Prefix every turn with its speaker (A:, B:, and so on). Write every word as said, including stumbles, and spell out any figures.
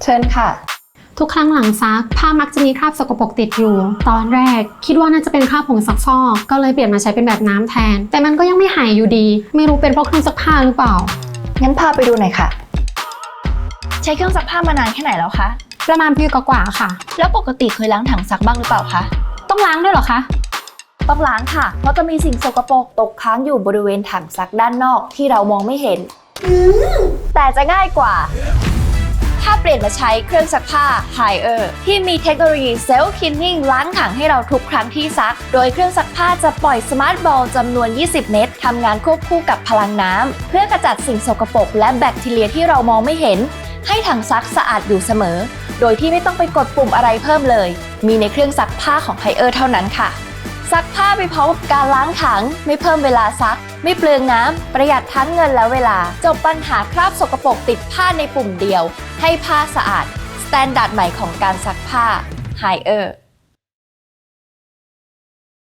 A: เชิญค่ะ
B: ทุกครั้งหลังซักผ้ามักจะมีคราบสกปรกติดอยู่ ตอนแรกคิดว่าน่าจะเป็นคราบผงซักฟอกก็เลยเปลี่ยนมาใช้เป็นแบบน้ำแทนแต่มันก็ยังไม่หายอยู่ดีไม่รู้เป็นเพราะเครื่องซักผ้าหรือเปล่า
A: งั้นพาไปดูหน่อยค่ะ
C: ใช้เครื่องซักผ้ามานานแค่ไหนแล้วคะ
B: ประมาณปีกว่าๆค่ะ
C: แล้วปกติเคยล้างถังซักบ้างหรือเปล่าคะ
B: ต้องล้างด้วยเหรอคะ
C: ต้องล้างค่ะเพราะจะมีสิ่งสกปรกตกค้างอยู่บริเวณถังซักด้านนอกที่เรามองไม่เห็นแต่จะง่ายกว่าถ้าเปลี่ยนมาใช้เครื่องซักผ้า Haier ที่มีเทคโนโลยี Self Cleaning ล้างถังให้เราทุกครั้งที่ซักโดยเครื่องซักผ้าจะปล่อยสมาร์ทบอลจำนวนยี่สิบเม็ดทำงานควบคู่กับพลังน้ำเพื่อกระจัดสิ่งสกปรกและแบคทีเรียที่เรามองไม่เห็นให้ถังซักสะอาดอยู่เสมอโดยที่ไม่ต้องไปกดปุ่มอะไรเพิ่มเลยมีในเครื่องซักผ้าของ Haier เท่านั้นค่ะซักผ้าไปพร้อมกับการล้างถังไม่เพิ่มเวลาซักไม่เปลืองน้ำประหยัดทั้งเงินและเวลาจบปัญหาคราบสกปรกติดผ้าในปุ่มเดียวให้ผ้าสะอาดสแตนดาร์ดใหม่ของการซักผ้า Haier